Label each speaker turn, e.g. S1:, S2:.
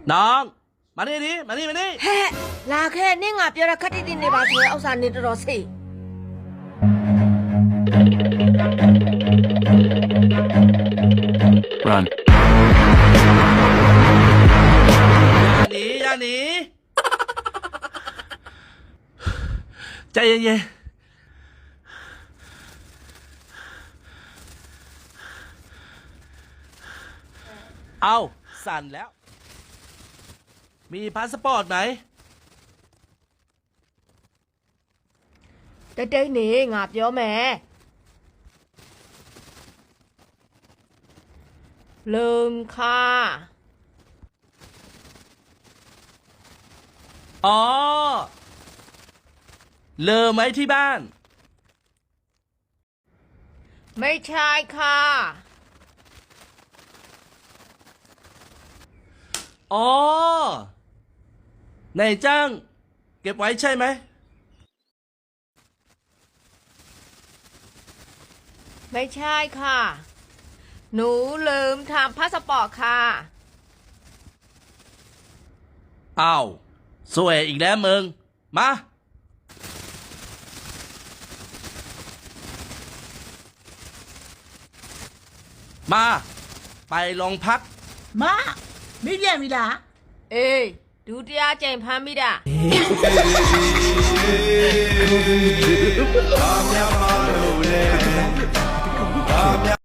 S1: น้องมานี่ดิมานี่มานี่
S2: ဟဲ့လာခဲ့နင့်ငါပြောတာခက်တိတိနေပါဆိုရင်ဥစ္စာနေတော်တော်စိတ်
S3: Run.
S1: อย่าหนีใจเย็นๆเอาสั่นแล้วมีพาสปอร์ตไหม
S2: တိတ်တိတ်နေငါပြောမယ်ลืมค่ะ
S1: อ๋อเลอไหมที่บ้าน
S2: ไม่ใช่ค่ะ
S1: อ๋อนายจ้างเก็บไว้ใช่ไหม
S2: ไม่ใช่ค่ะหนูลืมทำพาสปอร์ตค่ะ
S1: อ้าวสวยอีกแล้วมึงมาไปโรงพัก
S4: မမိပြန်ပြီလား
S2: အေးဒုတိယကြိမ်ဖမ်းမိတာ
S5: ဘာများမလို့လဲ